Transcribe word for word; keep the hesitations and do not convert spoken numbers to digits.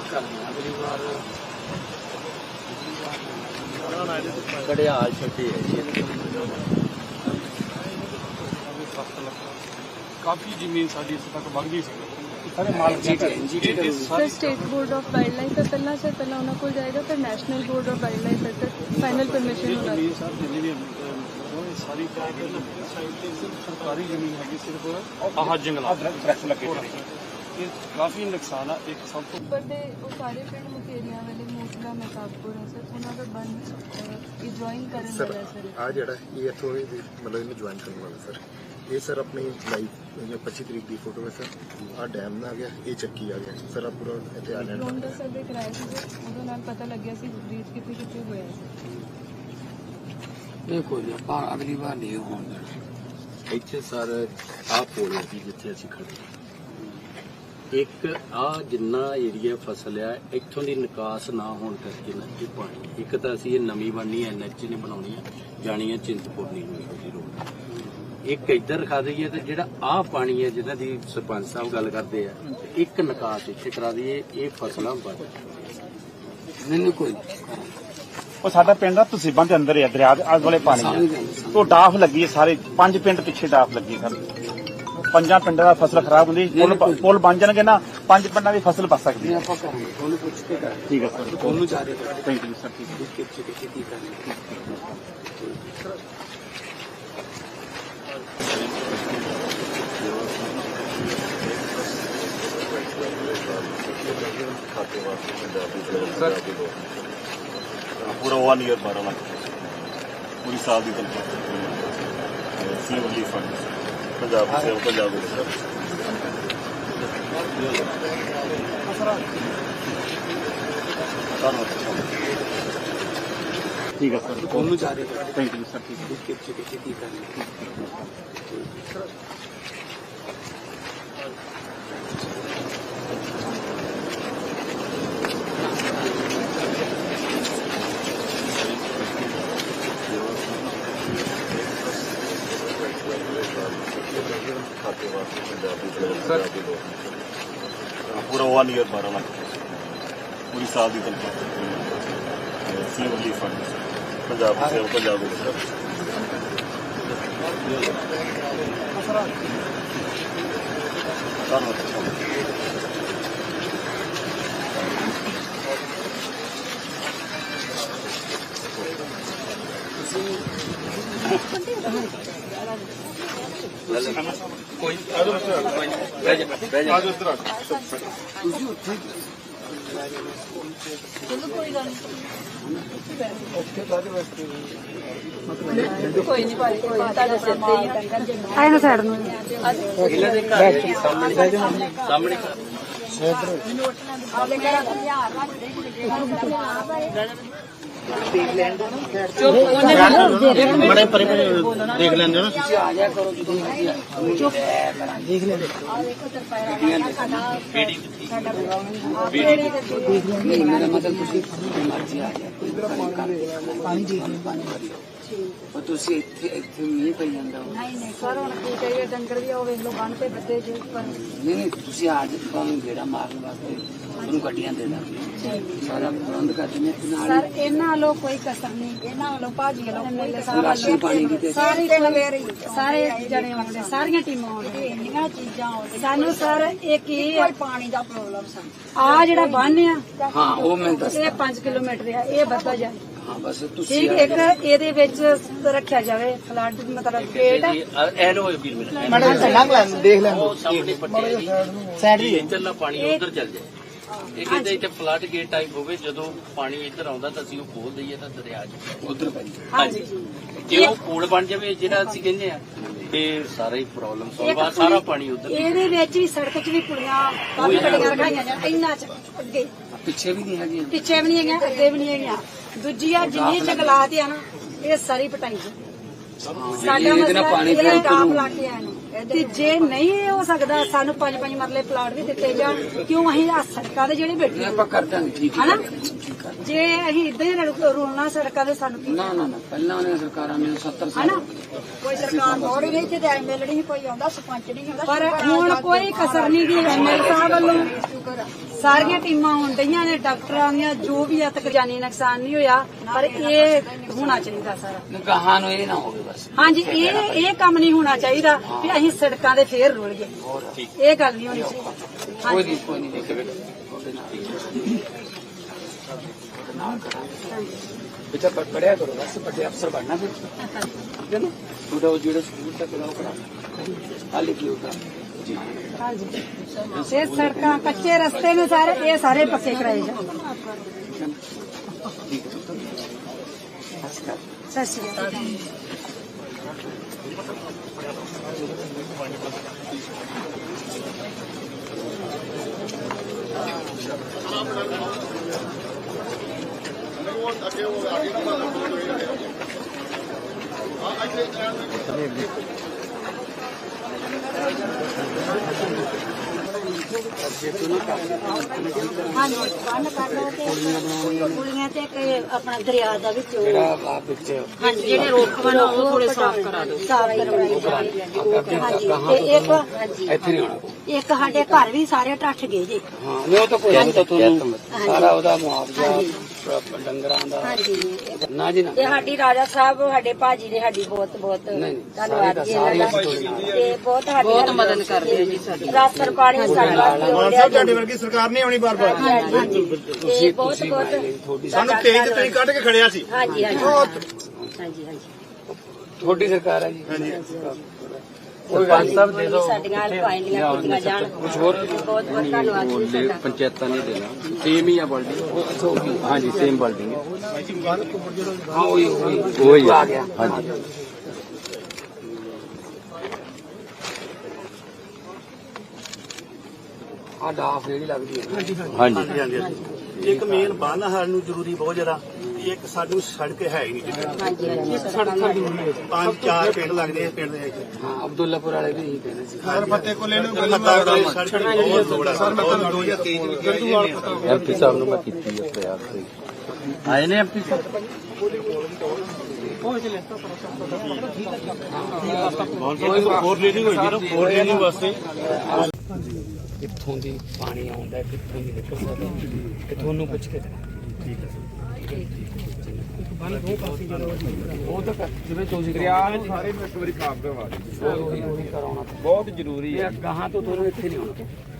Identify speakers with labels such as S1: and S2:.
S1: घड़ियाल छुट्टी है
S2: काफ़ी जमीन साड़ी इस तक वगदी सी
S3: sir state board of wildlife है पहला सर पहला उन्होंने को जाएगा फिर national board of wildlife है सर फाइनल परमिशन होना
S2: सारी सरकारी जमीन हैगी सिर्फ आह जंगलात काफ़ी नुकसान है एक सब तो
S3: पर दे वो सारे पिंड मुकेरिया वाले मोटला महताबपुर है सर उन्होंने बन ज्वाइन करने वाला है सर
S4: आ जड़ा ये इथों मतलब इन्हें ज्वाइन करने वाला सर ये सर अपनी लाइव पच्ची तरीक की फोटो है सर आ डैम आ गया ये चक्की आ गया सर आप पूरा इतने आ जाना
S3: रोंडा सर्वे कराया ਸੀ ਉਹਦੇ ਨਾਲ ਪਤਾ ਲੱਗਿਆ ਸੀ ਬ੍ਰੀਚ ਕਿੱਥੇ ਕਿੱਥੇ ਹੋਇਆ ਸੀ
S1: ਇਹ ਕੋਈ ਆਪਾਂ ਅਗਲੀ ਵਾਰ ਨਹੀਂ ਹੋਣ ਦੇਣਾ ਇੱਥੇ ਸਰ ਆਹ ਪੋਲ ਹੈ ਜਿੱਥੇ ਅਸੀਂ ਖੜੇ ਇੱਕ ਆ ਜਿੰਨਾ ਏਰੀਆ ਫਸਲ ਆ ਇੱਥੋਂ ਦੀ ਨਿਕਾਸ ਨਾ ਹੋਣ ਕਰਕੇ ਨਾ ਇਹ ਪਾਣੀ ਇੱਕ ਤਾਂ ਅਸੀਂ ਇਹ ਨਵੀਂ ਬਣਨੀ ਐ ਐਨਐਚ ਨੇ ਬਣਾਉਣੀ ਹੈ ਜਾਣੀ ਹੈ ਚਿੰਤਪੁਰਨੀ ਨੂੰ ਉਹਦੀ ਰੋਡ ਇੱਕ ਇੱਧਰ ਰਖਾ ਦਈਏ ਤੇ ਜਿਹੜਾ ਆਹ ਪਾਣੀ ਹੈ ਜਿਹਨਾਂ ਦੀ ਸਰਪੰਚ ਸਾਹਿਬ ਗੱਲ ਕਰਦੇ ਆ ਇੱਕ ਨਿਕਾਸ ਇੱਥੇ ਕਰਾ ਦਈਏ ਇਹ ਫਸਲਾਂ ਬਚ ਨਹੀਂ ਕੋਈ
S5: ਉਹ ਸਾਡਾ ਪਿੰਡ ਆ ਤਸੀਬਾਂ ਦੇ ਅੰਦਰ ਹੈ ਦਰਿਆ ਦੇ ਆਲੇ ਦੁਆਲੇ ਪਾਣੀ ਹੈ ਤੋਂ ਡਾਫ ਲੱਗੀ ਹੈ ਸਾਰੇ ਪੰਜ ਪਿੰਡ ਪਿੱਛੇ ਡਾਫ ਲੱਗੀ ਸਰ ਪੰਜਾਂ ਪਿੰਡਾਂ ਦਾ ਫਸਲ ਖਰਾਬ ਹੁੰਦੀ ਪੁਲ ਪੁਲ ਬਣ ਜਾਣਗੇ ਨਾ ਪੰਜ ਪਿੰਡਾਂ ਦੀ ਫਸਲ ਬਚ ਸਕਦੀ ਹੈ
S1: ਆਪਾਂ ਕਰਾਂਗੇ ਉਹਨੂੰ ਪੁੱਛ ਕੇ ਕਰਾਂਗੇ
S5: ਠੀਕ ਹੈ ਸਰ
S1: ਉਹਨੂੰ ਜਾ ਰਹੇ
S5: ਥੈਂਕ ਯੂ ਸਰ ਠੀਕ
S1: ਹੈ ਕਿੱਥੇ ਕਿੱਥੇ ਕਰਨੀ
S4: पूरा वन ईयर बारह लाख पूरी साल की तनख्वाह सीएम रिलीफ फंड पंजाब से पंजाब
S5: ठीक है सर
S1: ਉਹਨੂੰ ਜਾ ਰਹੇ
S5: थैंक यू सर ठीक है
S1: कितने कितने करनी
S4: पूरा वन ईयर बारह लाख पूरी साल की तनख्वाह सीएम रिलीफ फंड पंजाब से पंजाब
S1: कोई
S3: ਕੋਈ ਨਹੀਂ ਭਾਈ ਕੋਈ ਤੁਹਾਡੇ ਸਿਰ ਤੇ ਹੀ ਆਏ ਨਾ ਸਾਈਡ ਨੂੰ
S1: ਇਹਨਾਂ ਦੇ ਘਰ ਦੇ ਸਾਹਮਣੇ ਸਾਹਮਣੇ
S3: ਆਪਣੇ ਘਰਾਂ ਦਾ ਧਿਆਨ ਰੱਖਦੇ
S5: बड़े परे देख लेंगे ना
S1: आ जाया करो चुप देख लेंगे मेरा मतलब मर्जी आ जाए पानी देख लो पानी ਉਹ ਤੁਸੀਂ ਇੱਥੇ ਇੱਥੇ ਨਹੀਂ ਪਈ ਜਾਂਦਾ
S3: ਨਹੀਂ ਨਹੀਂ ਸਰ ਹੁਣ ਕੀ ਕਰੀਏ ਡੰਗਰ ਵੀ ਉਹ ਵੇਖ ਲਓ ਬੰਨ ਤੇ ਬੱਦੇ ਜੇ ਪਰ
S1: ਨਹੀਂ ਨਹੀਂ ਤੁਸੀਂ ਅੱਜ ਤੁਹਾਨੂੰ ਗੇੜਾ ਮਾਰਨ ਵਾਸਤੇ ਉਹਨੂੰ ਗੱਡੀਆਂ ਦੇ ਦਾਂਗੇ ਸਾਰਾ ਪ੍ਰਬੰਧ ਕਰ ਦਿੰਦੇ ਨਾਲ
S3: ਸਰ ਇਹਨਾਂ ਵੱਲੋਂ ਕੋਈ ਕਸਰ ਨਹੀਂ ਇਹਨਾਂ ਵੱਲੋਂ ਭਾਜੀ ਵੱਲੋਂ ਕੋਈ
S1: ਰਾਸ਼ਨ ਪਾਣੀ ਦੀ ਤੇ
S3: ਸਾਰੇ ਸਾਰੇ ਜਣੇ ਆਉਂਦੇ ਸਾਰੀਆਂ ਟੀਮਾਂ ਆਉਂਦੀਆਂ ਇੰਨੀਆਂ ਚੀਜ਼ਾਂ ਆਉਂਦੀਆਂ ਸਾਨੂੰ ਸਰ ਇਹ ਕੀ ਹੈ ਪਾਣੀ ਦਾ ਪ੍ਰੋਬਲਮ ਸਾਨੂੰ ਆ ਜਿਹੜਾ ਬੰਨ ਆ
S1: ਹਾਂ ਉਹ ਮੈਂ ਦੱਸ
S3: ਇਹ ਪੰਜ ਕਿਲੋਮੀਟਰ ਆ ਇਹ ਵੱਧਦਾ ਜਾਏ
S1: ਹਾਂ ਬਸ ਤੁਸੀਂ
S3: ਠੀਕ ਇੱਕ ਇਹਦੇ ਵਿੱਚ ਰੱਖਿਆ ਜਾਵੇ ਫਲੱਡ ਮਤਲਬ ਗੇਟ
S1: ਐਨੋ ਵੀਰ ਮੇਰੇ
S5: मैडम लंघ लें देख लें
S1: ਉਹ ਸਾਹਮਣੇ ਪੱਟੇ
S5: साइड ही
S1: ਇੱਧਰਲਾ ਪਾਣੀ ਉਧਰ ਚੱਲ ਜਾਏ ਇਹ ਕਹਿੰਦੇ ਇੱਥੇ ਫਲੱਡ ਗੇਟ ਟਾਈਪ ਹੋਵੇ ਜਦੋਂ ਪਾਣੀ ਇੱਧਰ ਆਉਂਦਾ ਤਾਂ ਅਸੀਂ ਉਹ ਖੋਲ ਦਈਏ ਤਾਂ ਦਰਿਆ ਚ ਉਧਰ ਪੈ ਜਾਏ ਹਾਂਜੀ ਜੇ ਉਹ ਪੁਲ ਬਣ ਜਾਵੇ ਜਿਹੜਾ ਅਸੀਂ ਕਹਿੰਦੇ ਆ ਤੇ ਸਾਰਾ ਹੀ ਪ੍ਰੋਬਲਮ ਸੋਲਵ ਆ ਸਾਰਾ ਪਾਣੀ ਉਧਰ
S3: ਇਹਦੇ ਵਿੱਚ ਵੀ ਸੜਕ 'ਚ ਵੀ ਪੁਲੀਆਂ ਕਾਫੀ ਗੱਡੀਆਂ ਰਖਾਈਆਂ ਜਾਂ ਇੰਨਾ ਚ ਅੱਗੇ
S1: ਪਿੱਛੇ ਵੀ ਨਹੀਂ ਹੈਗੀ
S3: ਪਿੱਛੇ ਵੀ ਨਹੀਂ ਹੈਗੀਆਂ ਅੱਗੇ ਵੀ ਨਹੀਂ ਹੈਗੀਆਂ ਦੂਜੀ ਆ ਜਿੰਨੀ ਜੰਗਲਾਤ ਆ ਨਾ ਇਹ ਸਾਰੀ ਪਟਾਈ ਸਾਡਾ ਮਸਲਾ ਇਹਦਾ ਡਾਪ ਲਾ ਕੇ ਆਇਆ ਤੇ ਜੇ ਨਹੀਂ ਹੋ ਸਕਦਾ ਸਾਨੂੰ ਪੰਜ ਪੰਜ ਮਰਲੇ ਪਲਾਟ ਵੀ ਦਿੱਤੇ ਜਾਣ ਕਿਉਂ ਅਸੀਂ ਆ ਸੜਕਾਂ ਦੇ ਜਿਹੜੇ ਬੈਠੇ
S1: ਆਪਾਂ ਕਰ ਦਾਂਗੇ ਠੀਕ
S3: ਹਨਾ ਜੇ ਅਸੀਂ ਇਦਾਂ ਹੀ ਰੋਣਾ ਸੜਕਾਂ ਦੇ ਸਾਨੂੰ
S1: ਨਾ ਨਾ ਨਾ ਪਹਿਲਾਂ ਉਹਨੇ ਸਰਕਾਰਾਂ ਨੇ ਸੱਤਰ ਸਾਲ
S3: ਹਨਾ ਕੋਈ ਸਰਕਾਰ ਮੋੜ ਨਹੀਂ ਤੇ ਐਮਐਲਏ ਨਹੀਂ ਕੋਈ ਆਉਂਦਾ ਸਰਪੰਚ ਨਹੀਂ ਆਉਂਦਾ ਪਰ ਹੁਣ ਕੋਈ ਕਸਰ ਨਹੀਂ ਗਈ ਐਮਐਲਏ ਸਾਹਿਬ ਵੱਲੋਂ ਸਾਰੀਆਂ ਟੀਮਾਂ ਆਉਣ ਡਈਆਂ ਨੇ, ਡਾਕਟਰਾਂ ਦੀਆਂ, ਜੋ ਵੀ ਆ, ਤੱਕ ਜਾਨੀ ਨੁਕਸਾਨ ਨਹੀਂ ਹੋਇਆ, ਪਰ ਇਹ ਹੋਣਾ ਚਾਹੀਦਾ ਸਾਰਾ।
S6: ਗਾਹਾਂ ਨੂੰ ਇਹ ਨਾ ਹੋਵੇ ਬਸ।
S3: ਹਾਂਜੀ, ਇਹ ਇਹ ਕੰਮ ਨਹੀਂ ਹੋਣਾ ਚਾਹੀਦਾ ਵੀ ਅਸੀਂ ਸੜਕਾਂ ਦੇ ਫੇਰ ਰੁਲ ਗਏ, ਇਹ ਗੱਲ ਨਹੀਂ ਹੋਣੀ ਚਾਹੀਦੀ।
S6: ਕੋਈ
S3: ਹਾਂਜੀ
S6: ਨਹੀਂ ਕੋਈ ਨਹੀਂ ਦੇਖੇ बेटा पढ़िया करो बस बड़े अफसर बनना फिर ठीक है ना थोड़ा वो जो स्कूल तक लगाओ पढ़ा हाल की होगा जी
S3: ਹਾਂਜੀ, ਇਹ ਸੜਕਾਂ ਕੱਚੇ ਰਸਤੇ ਨੇ ਸਾਰੇ, ਇਹ ਸਾਰੇ ਪੱਕੇ ਕਰਾਏ ਜਾਣ। ਸਤਿ ਸ਼੍ਰੀ ਅਕਾਲ। ਹਾਂਜੀ, ਬੰਦ ਕਰ ਲਓ ਤੇ ਪੁਲੀਆਂ ਤੇ ਇੱਕ ਆਪਣਾ ਦਰਿਆ ਦਾ ਵਿੱਚ
S6: मेरा आप बच्चे
S3: ਹਾਂਜੀ, ਜਿਹੜੇ ਰੋਕ ਬਣਾ ਉਹ ਥੋੜੇ ਸਾਫ਼ ਕਰਾ ਦਿਓ, ਸਾਫ਼ ਕਰਵਾਈ ਜਾਵੇ। ਹਾਂਜੀ, ਤੇ ਇੱਕ ਹਾਂਜੀ
S6: ਇੱਥੇ ਨਹੀਂ ਆਉਣਾ
S3: ਇੱਕ ਸਾਡੇ ਘਰ ਵੀ ਸਾਰੇ ਟੱਠ ਗਏ ਜੀ।
S6: ਹਾਂ ਨਹੀਂ ਉਹ ਤਾਂ ਕੋਈ ਨਹੀਂ ਤਾਂ ਤੁਹਾਨੂੰ ਸਾਰਾ ਉਹਦਾ ਮੁਆਵਜ਼ਾ
S3: ਹਾਂਜੀ।
S6: ਡੰਗਰਾਂ ਦਾ
S3: ਹਾਂਜੀ,
S6: ਨਾ ਜੀ ਨਾ
S3: ਤੇ ਸਾਡੀ ਰਾਜਾ ਸਾਹਿਬ ਸਾਡੇ ਭਾਜੀ ਨੇ ਸਾਡੀ ਬਹੁਤ ਬਹੁਤ
S6: ਨਹੀਂ, ਨਹੀਂ,
S3: ਧੰਨਵਾਦ ਜੀ
S6: ਸਾਰੀ
S3: ਇਹਨਾਂ ਦਾ,
S6: ਸਾਰੀ
S3: ਤੇ ਬਹੁਤ ਸਾਡੀ ਬਹੁਤ ਮਦਦ ਕਰਦੇ ਆ ਜੀ ਸਾਡੀ। ਰਾਸ਼ਨ ਪਾਣੀ ਸਾਡੇ ਵਾਸਤੇ ਹੋ ਰਿਹਾ
S5: ਤੁਹਾਡੀ ਵਰਗੀ ਸਰਕਾਰ ਨਹੀਂ ਆਉਣੀ ਬਾਰ ਬਾਰ।
S3: ਹਾਂਜੀ, ਹਾਂਜੀ, ਤੇ ਬਹੁਤ ਬਹੁਤ
S6: ਤੁਹਾਡੀ
S5: ਸਾਨੂੰ ਤੇਜ਼ ਤੇ ਤੁਸੀਂ ਕੱਢ ਕੇ ਖੜਿਆ ਸੀ।
S3: ਹਾਂਜੀ ਹਾਂਜੀ ਹਾਂਜੀ ਹਾਂਜੀ
S6: ਤੁਹਾਡੀ ਸਰਕਾਰ ਹੈ ਜੀ
S1: ਸਰਪੰਚ ਸਾਹਿਬ ਦੇ ਦਿਓ
S3: ਸਾਡੀਆਂ ਪਾਈਆਂ ਕੀਤੀਆਂ ਜਾਣ।
S6: ਕੁਝ ਹੋਰ
S3: ਬਹੁਤ ਬਹੁਤ ਧੰਨਵਾਦ ਜੀ
S1: ਬੋਲਦੇ
S3: ਸਾਡਾ।
S1: ਪੰਚਾਇਤਾਂ ਨੇ ਦੇਣਾ ਸੇਮ ਹੀ ਆ ਬਿਲਡਿੰਗ ਹਾਂਜੀ ਸੇਮ ਬਿਲਡਿੰਗ ਹੈ
S6: ਹਾਂ ਉਹੀ ਉਹੀ
S1: ਉਹੀ
S6: ਆ
S1: ਆ
S6: ਗਿਆ
S1: ਹਾਂਜੀ
S6: ਆ ਡਾਫ ਜਿਹੜੀ ਲੱਗਦੀ ਹੈ
S1: ਹਾਂਜੀ
S5: ਹਾਂਜੀ ਹਾਂਜੀ। ਇੱਕ ਮੇਨ ਬੰਨ ਸਾਨੂੰ ਜ਼ਰੂਰੀ ਬਹੁਤ ਜ਼ਿਆਦਾ, ਇੱਕ ਸਾਨੂੰ ਸੜਕ ਹੈ ਹੀ ਨਹੀਂ ਜਿੱਥੇ।
S3: ਹਾਂਜੀ ਹਾਂਜੀ ਸੜਕਾਂ
S5: ਪੰਜ ਚਾਰ ਪਿੰਡ ਲੱਗਦੇ ਆ ਪਿੰਡ ਦੇ ਵਿੱਚ।
S6: ਹਾਂ ਅਬਦੁੱਲਾਪੁਰ ਵਾਲੇ ਵੀ ਇਹੀ ਕਹਿੰਦੇ ਸੀ
S5: ਸਰ ਫੱਤੇ ਕੋਲੇ ਨੂੰ ਸੜਕ ਬਹੁਤ ਲੋੜ ਆ। ਸਰ ਮੈਂ ਤੁਹਾਨੂੰ ਦੋ ਹਜ਼ਾਰ ਤੇਈ ਚ ਵੀ ਕਿਹਾ
S1: ਐਮਪੀ ਸਾਹਿਬ ਨੂੰ ਮੈਂ ਕੀਤੀ ਹੈ ਪ੍ਰਯਾਸ ਤੇ ਆਏ ਨੇ ਐਮਪੀ ਸਾਹਿਬ
S5: ਹੋਰ ਲੀਡਿੰਗ ਹੋਈ ਜੀ, ਹੋਰ ਲੀਡਿੰਗ ਵਾਸਤੇ
S6: ਕਿੱਥੋਂ ਦੀ ਪਾਣੀ ਆਉਂਦਾ ਕਿੱਥੋਂ ਦੀ ਨਿਕਲਦਾ ਤੇ ਤੁਹਾਨੂੰ ਪੁੱਛ ਕੇ ਉਹ ਤਾਂ ਕਰ- ਜਿਵੇਂ ਤੁਸੀਂ ਦਰਿਆ ਨੂੰ ਸਾਰੇ ਇੱਕ ਵਾਰੀ ਸਾਫ਼ ਕਰਵਾ ਦਿਓ ਉਹੀ ਉਹੀ ਕਰਾਉਣਾ
S2: ਬਹੁਤ ਜ਼ਰੂਰੀ ਹੈ।
S6: ਇਹ ਗਾਹਾਂ ਤੋਂ ਤੁਹਾਨੂੰ ਇੱਥੇ ਨਹੀਂ ਆਉਣਾ